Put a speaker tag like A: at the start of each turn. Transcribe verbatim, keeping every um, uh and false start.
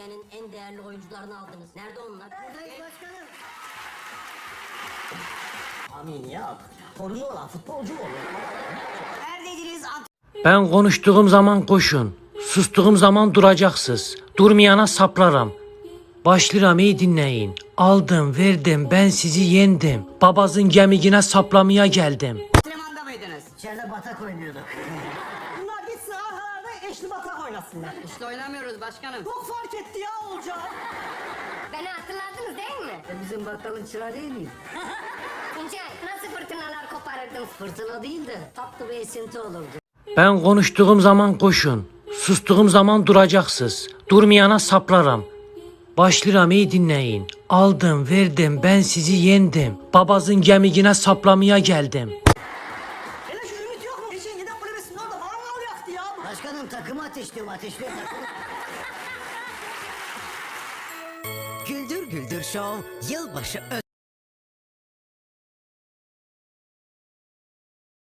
A: Türkiye'nin en değerli oyuncularını aldınız. Nerede onlar?
B: Buradayız başkanım. Amin ya. Torunu olan futbolcu mu olur? Neredeydiniz?
C: Ben konuştuğum zaman koşun, sustuğum zaman duracaksınız. Durmayana saplaram. Başlıram iyi dinleyin. Aldım, verdim, ben sizi yendim. Babazın gemigine saplamaya geldim.
B: Antrenmanda mıydınız? İçeride batak oynuyorduk. Bunlar gitsin aralarda eşli batak oynasınlar.
A: İşte oynamıyoruz başkanım.
B: Çok fark etti ya olacak.
A: Beni hatırladınız değil mi?
B: E bizim bakkalın çırağı değil miyim?
A: Tuncay nasıl fırtınalar koparırdın? Fırtına değil de tatlı bir esinti olurdu.
C: Ben konuştuğum zaman koşun, sustuğum zaman duracaksınız. Durmayana saplaram. Başlıram iyi dinleyin. Aldım, verdim, ben sizi yendim. Babazın gemigine saplamaya geldim.
B: Hele şu ümit yok mu? Geçen giden kulübesinin orada mangal yaktı ya. Başkanım takımı ateşliyorum ateşliyorum takımı.
D: Güldür Güldür Show yılbaşı özel.